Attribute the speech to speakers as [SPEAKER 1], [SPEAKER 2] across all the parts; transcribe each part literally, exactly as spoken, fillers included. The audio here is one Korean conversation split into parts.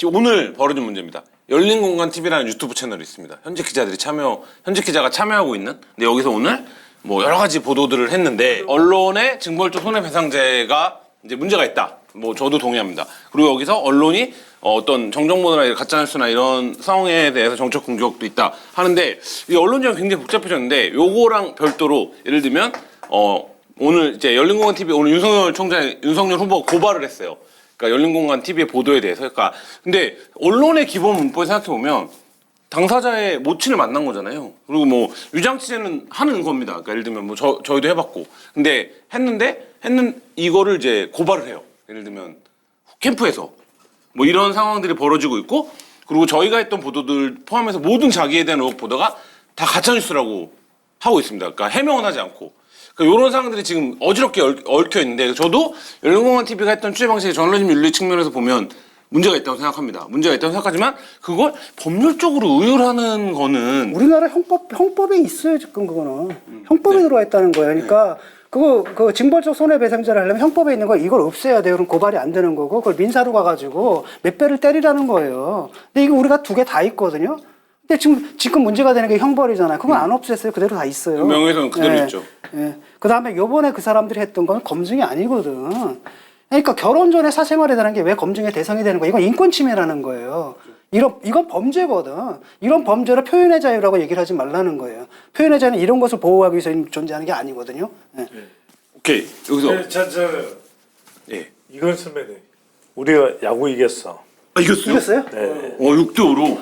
[SPEAKER 1] 지금 오늘 벌어진 문제입니다. 열린공간티비라는 유튜브 채널이 있습니다. 현직 기자들이 참여, 현직 기자가 참여하고 있는. 근데 여기서 오늘 뭐 여러 가지 보도들을 했는데 언론의 징벌적 손해배상제가 이제 문제가 있다. 뭐 저도 동의합니다. 그리고 여기서 언론이 어떤 정정보도나 가짜뉴스나 이런 상황에 대해서 정책 공격도 있다 하는데 이 언론지가 굉장히 복잡해졌는데 요거랑 별도로 예를 들면 어 오늘 이제 열린공간티비 오늘 윤석열 총장 윤석열 후보가 고발을 했어요. 그러니까 열린공간티비의 보도에 대해서. 그러니까 근데 언론의 기본 문법을 생각해 보면 당사자의 모친을 만난 거잖아요. 그리고 뭐 위장 취재는 하는 겁니다. 그러니까 예를 들면 뭐 저 저희도 해봤고, 근데 했는데 했는 이거를 이제 고발을 해요. 예를 들면 캠프에서 뭐 이런 상황들이 벌어지고 있고, 그리고 저희가 했던 보도들 포함해서 모든 자기에 대한 의혹 보도가 다 가짜뉴스라고 하고 있습니다. 그러니까 해명은 하지 않고. 그러니까 이런 상황들이 지금 어지럽게 얽혀 있는데 저도 열린공간티비가 했던 취재 방식의 저널리즘 윤리 측면에서 보면 문제가 있다고 생각합니다. 문제가 있다고 생각하지만 그걸 법률적으로 의율하는 거는
[SPEAKER 2] 우리나라 형법 형법에 있어요 지금 그거는 음, 형법에 네. 들어와 있다는 거예요. 그러니까 네. 그거 그 징벌적 손해배상제를 하려면 형법에 있는 거 이걸 없애야 돼요. 그럼 고발이 안 되는 거고 그걸 민사로 가가지고 몇 배를 때리라는 거예요. 근데 이거 우리가 두 개 다 있거든요. 근데 지금 지금 문제가 되는 게 형벌이잖아요. 그건 안 없앴어요. 그대로 다 있어요.
[SPEAKER 1] 명예훼손 그대로
[SPEAKER 2] 네.
[SPEAKER 1] 있죠.
[SPEAKER 2] 네. 그 다음에 요번에 그 사람들이 했던 건 검증이 아니거든. 그러니까 결혼 전에 사생활에 대한 게 왜 검증의 대상이 되는 거야? 이건 인권 침해라는 거예요. 이런 이건 범죄거든. 이런 범죄를 표현의 자유라고 얘기를 하지 말라는 거예요. 표현의 자유는 이런 것을 보호하기 위해서 존재하는 게 아니거든요. 네.
[SPEAKER 1] 네. 오케이 여기서
[SPEAKER 3] 네, 저, 저,
[SPEAKER 1] 예
[SPEAKER 3] 이건 선배님 우리가 야구 이겼어.
[SPEAKER 1] 아, 이겼어요?
[SPEAKER 2] 이겼어요?
[SPEAKER 3] 네.
[SPEAKER 1] 어 육 대 오로.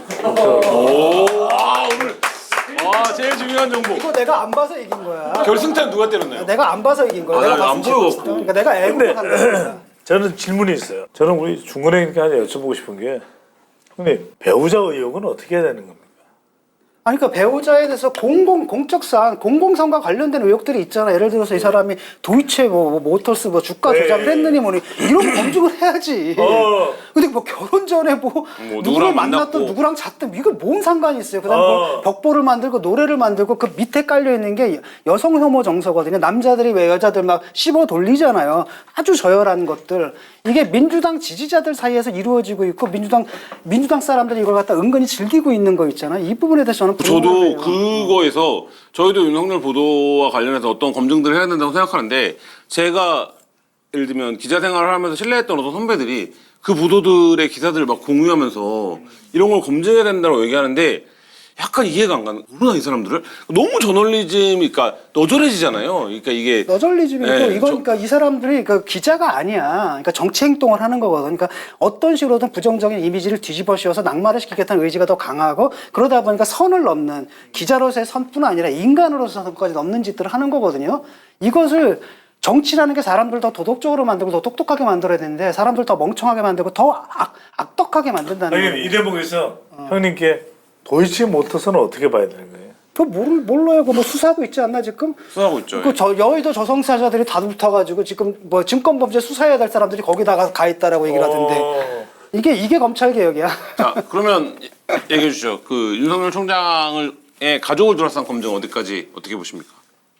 [SPEAKER 1] 오, 아 오늘 와 제일 중요한 정보.
[SPEAKER 2] 이거 내가 안 봐서 이긴 거야.
[SPEAKER 1] 결승타는 누가 때렸나요?
[SPEAKER 2] 내가 안 봐서 이긴 거야.
[SPEAKER 1] 아,
[SPEAKER 2] 내가
[SPEAKER 1] 나
[SPEAKER 2] 봤으면
[SPEAKER 1] 안 보여갖고.
[SPEAKER 2] 재밌었어. 그러니까 내가 애국을 한 거야.
[SPEAKER 3] 저는 질문이 있어요. 저는 우리 중근행님께 하나 여쭤보고 싶은 게, 형님 배우자 의혹은 어떻게 해야 되는 겁니까?
[SPEAKER 2] 아니, 그러니까 배우자에 대해서 공공, 공적 사안, 공공성과 관련된 의혹들이 있잖아. 예를 들어서 이 사람이 도이체 뭐, 뭐 모터스 뭐 주가 조작을
[SPEAKER 3] 네.
[SPEAKER 2] 했느니 뭐니 이런 거 검증을 해야지.
[SPEAKER 3] 어.
[SPEAKER 2] 근데 뭐 결혼 전에 뭐,
[SPEAKER 1] 뭐
[SPEAKER 2] 누구를
[SPEAKER 1] 누구랑
[SPEAKER 2] 만났던
[SPEAKER 1] 만났고.
[SPEAKER 2] 누구랑 잤던 이거 뭔 상관이 있어요. 그다음에
[SPEAKER 3] 어.
[SPEAKER 2] 뭐 벽보를 만들고 노래를 만들고 그 밑에 깔려 있는 게 여성 혐오 정서거든요. 남자들이 왜 여자들 막 씹어 돌리잖아요. 아주 저열한 것들. 이게 민주당 지지자들 사이에서 이루어지고 있고 민주당 민주당 사람들이 이걸 갖다 은근히 즐기고 있는 거 있잖아요. 이 부분에 대해서 저는
[SPEAKER 1] 저도
[SPEAKER 2] 불만이에요.
[SPEAKER 1] 그거에서 저희도 윤석열 보도와 관련해서 어떤 검증들을 해야 된다고 생각하는데 제가 예를 들면 기자 생활을 하면서 신뢰했던 어떤 선배들이 그 보도들의 기사들을 막 공유하면서 이런 걸 검증해야 된다고 얘기하는데 약간 이해가 안 가는. 모르나 이 사람들을 너무 저널리즘이 그러니까 너절해지잖아요. 그러니까 이게
[SPEAKER 2] 너절리즘이고
[SPEAKER 1] 네,
[SPEAKER 2] 이건
[SPEAKER 1] 저-
[SPEAKER 2] 그러니까 이 사람들이 그 기자가 아니야. 그러니까 정치 행동을 하는 거거든. 그러니까 어떤 식으로든 부정적인 이미지를 뒤집어 씌워서 낙마를 시키겠다는 의지가 더 강하고 그러다 보니까 선을 넘는 기자로서의 선뿐 아니라 인간으로서의 선까지 넘는 짓들을 하는 거거든요. 이것을 정치라는 게 사람들 더 도덕적으로 만들고 더 똑똑하게 만들어야 되는데 사람들 더 멍청하게 만들고 더 악, 악덕하게 만든다는
[SPEAKER 3] 형님
[SPEAKER 2] 거예요.
[SPEAKER 3] 이 대목에서 형님께 도이치 모터스는 어떻게 봐야 되는 거예요?
[SPEAKER 2] 그 모르, 몰라요. 그뭐 수사하고 있지 않나 지금?
[SPEAKER 1] 수사하고 있죠.
[SPEAKER 2] 그 저 여의도 저성사자들이 다 붙어가지고 지금 뭐 증권범죄 수사해야 될 사람들이 거기다가 가 있다라고 얘기를 하던데
[SPEAKER 3] 어.
[SPEAKER 2] 이게 이게 검찰 개혁이야.
[SPEAKER 1] 자 그러면 얘기해 주시죠. 그 윤석열 총장의 가족을 둘러싼 검증 어디까지 어떻게 보십니까?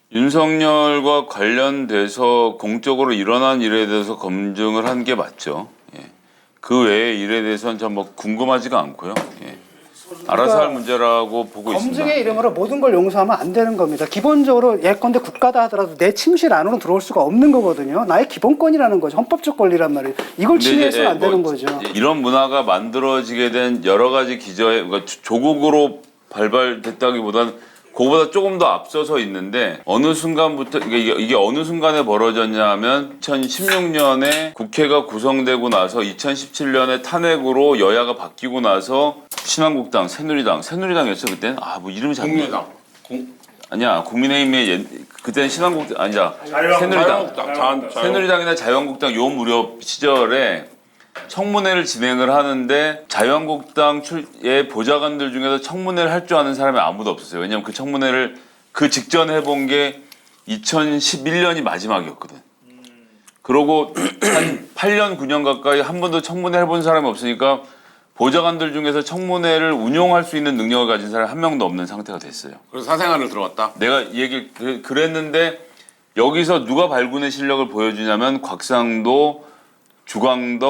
[SPEAKER 4] 윤석열과 관련돼서 공적으로 일어난 일에 대해서 검증을 한 게 맞죠. 예. 그 외의 일에 대해서는 전 뭐 궁금하지가 않고요. 예. 알아서 할 문제라고 보고 있습니다.
[SPEAKER 2] 검증의 이름으로 모든 걸 용서하면 안 되는 겁니다. 기본적으로 예컨대 국가다 하더라도 내 침실 안으로 들어올 수가 없는 거거든요. 나의 기본권이라는 거죠. 헌법적 권리란 말이에요. 이걸
[SPEAKER 4] 근데
[SPEAKER 2] 침해해서는
[SPEAKER 4] 이제
[SPEAKER 2] 안 되는
[SPEAKER 4] 뭐
[SPEAKER 2] 거죠.
[SPEAKER 4] 이런 문화가 만들어지게 된 여러 가지 기저에 그러니까 조국으로 발발됐다기보다는 그거보다 조금 더 앞서서 있는데 어느 순간부터 이게, 이게 어느 순간에 벌어졌냐면 이천십육 년에 국회가 구성되고 나서 이천십칠 년에 탄핵으로 여야가 바뀌고 나서 신한국당, 새누리당, 새누리당이었어 그때는 아 뭐 이름이 잘
[SPEAKER 1] 국민의당. 공-
[SPEAKER 4] 아니야 국민의힘의 옛, 그때는 신한국당 아니야
[SPEAKER 3] 자유한국당.
[SPEAKER 4] 새누리당
[SPEAKER 1] 자유한국당. 자- 자유-
[SPEAKER 4] 새누리당이나 자유한국당 요 무렵 시절에 청문회를 진행을 하는데 자유한국당 출의 보좌관들 중에서 청문회를 할 줄 아는 사람이 아무도 없었어요. 왜냐하면 그 청문회를 그 직전에 해본 게 이천십일 년이 마지막이었거든. 그러고 한 팔 년, 구 년 가까이 한 번도 청문회 해본 사람이 없으니까 보좌관들 중에서 청문회를 운용할 수 있는 능력을 가진 사람이 한 명도 없는 상태가 됐어요.
[SPEAKER 1] 그래서 사생활을 들어갔다.
[SPEAKER 4] 내가 얘기 그- 그랬는데 여기서 누가 발군의 실력을 보여주냐면 곽상도, 주광덕,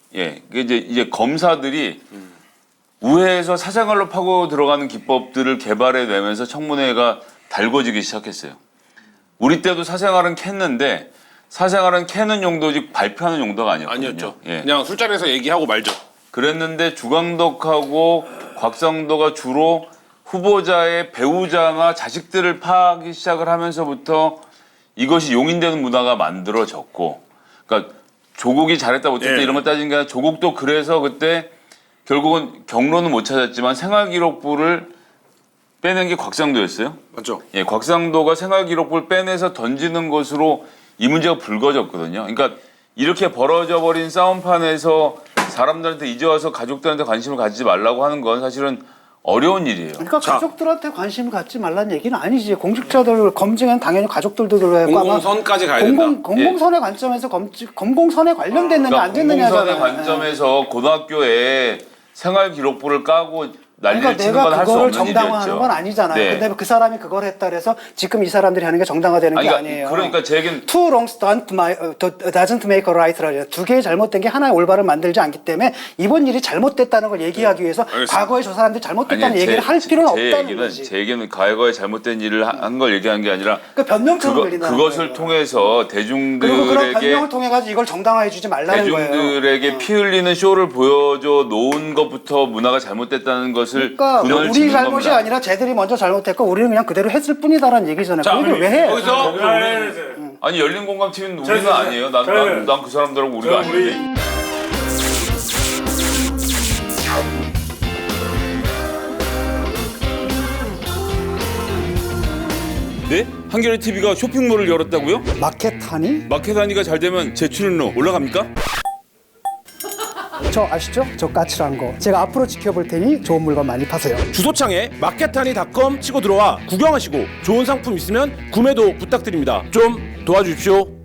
[SPEAKER 4] 예, 그 이제 이제 검사들이 우회해서 사생활로 파고 들어가는 기법들을 개발해내면서 청문회가 달궈지기 시작했어요. 우리 때도 사생활은 캤는데 사생활은 캐는 용도지 발표하는 용도가 아니었거든요.
[SPEAKER 1] 아니었죠.
[SPEAKER 4] 예.
[SPEAKER 1] 그냥 술자리에서 얘기하고 말죠.
[SPEAKER 4] 그랬는데 주광덕하고 곽상도가 주로 후보자의 배우자나 자식들을 파기 시작을 하면서부터 이것이 용인되는 문화가 만들어졌고, 그러니까 조국이 잘했다 못했다
[SPEAKER 1] 예.
[SPEAKER 4] 이런 거 따진 게 아니라 조국도 그래서 그때 결국은 경로는 못 찾았지만 생활기록부를 빼낸 게 곽상도였어요.
[SPEAKER 1] 맞죠?
[SPEAKER 4] 예, 곽상도가 생활기록부를 빼내서 던지는 것으로 이 문제가 불거졌거든요. 그러니까 이렇게 벌어져 버린 싸움판에서 사람들한테 이제 와서 가족들한테 관심을 가지지 말라고 하는 건 사실은 어려운 일이에요.
[SPEAKER 2] 그러니까
[SPEAKER 1] 자.
[SPEAKER 2] 가족들한테 관심을 갖지 말라는 얘기는 아니지. 공직자들 검증은 당연히 가족들도 들어야 하고
[SPEAKER 1] 공공선까지 가야
[SPEAKER 2] 공공,
[SPEAKER 1] 된다.
[SPEAKER 2] 공공선의 관점에서 검, 공공선에 관련됐느냐 안 됐느냐잖아요.
[SPEAKER 4] 공공선의 관점에서 고등학교에 생활기록부를 까고 난리를
[SPEAKER 2] 그러니까
[SPEAKER 4] 치는
[SPEAKER 2] 내가
[SPEAKER 4] 건 할 수
[SPEAKER 2] 그거를
[SPEAKER 4] 없는
[SPEAKER 2] 정당화하는
[SPEAKER 4] 일이었죠.
[SPEAKER 2] 건 아니잖아요.
[SPEAKER 4] 네.
[SPEAKER 2] 근데 그 사람이 그걸 했다 그래서 지금 이 사람들이 하는 게 정당화되는 게
[SPEAKER 4] 아니,
[SPEAKER 2] 아니에요.
[SPEAKER 4] 그러니까 제 얘기는
[SPEAKER 2] Two wrongs don't my, uh, doesn't make a right라요. 두 개의 잘못된 게 하나의 올바를 만들지 않기 때문에 이번 일이 잘못됐다는 걸 얘기하기 위해서
[SPEAKER 1] 알겠습니다.
[SPEAKER 2] 과거에 저 사람들이 잘못됐다는
[SPEAKER 4] 아니,
[SPEAKER 2] 얘기를
[SPEAKER 4] 제-
[SPEAKER 2] 할 필요는
[SPEAKER 4] 제
[SPEAKER 2] 없다는
[SPEAKER 4] 얘기는,
[SPEAKER 2] 거지.
[SPEAKER 4] 제 얘기는 과거에 잘못된 일을 한 걸 얘기한 게 아니라
[SPEAKER 2] 그러니까 변명처럼
[SPEAKER 4] 그거,
[SPEAKER 2] 들린다는
[SPEAKER 4] 그것을
[SPEAKER 2] 거예요.
[SPEAKER 4] 통해서
[SPEAKER 2] 그리고 그런
[SPEAKER 4] 대중들에게
[SPEAKER 2] 변명을 통해 가지고 이걸 정당화해 주지 말라는 거예요.
[SPEAKER 4] 대중들에게 피 흘리는 쇼를 보여줘 놓은 것부터 문화가 잘못됐다는 것을
[SPEAKER 2] 그러니까
[SPEAKER 4] 근원을
[SPEAKER 2] 우리
[SPEAKER 4] 짓는
[SPEAKER 2] 잘못이
[SPEAKER 4] 겁니다.
[SPEAKER 2] 아니라 쟤들이 먼저 잘못했고 우리는 그냥 그대로 했을 뿐이다라는 얘기잖아요.
[SPEAKER 1] 자,
[SPEAKER 2] 그 얘기를 왜 해?
[SPEAKER 1] 여기서
[SPEAKER 4] 아니 열린 공감 티비는 우리는
[SPEAKER 3] 자, 자,
[SPEAKER 4] 아니에요. 난
[SPEAKER 3] 자,
[SPEAKER 4] 난 난 그 사람들하고 우리가
[SPEAKER 3] 자, 우리-
[SPEAKER 4] 아닌데. 네? 한겨레 티비가 쇼핑몰을 열었다고요?
[SPEAKER 2] 마켓하니?
[SPEAKER 4] 마켓하니가 잘 되면 제 출연료 올라갑니까?
[SPEAKER 2] 저 아시죠? 저 까칠한 거. 제가 앞으로 지켜볼 테니 좋은 물건 많이 파세요.
[SPEAKER 5] 주소창에 마켓하니.com 치고 들어와 구경하시고 좋은 상품 있으면 구매도 부탁드립니다. 좀 도와주십시오.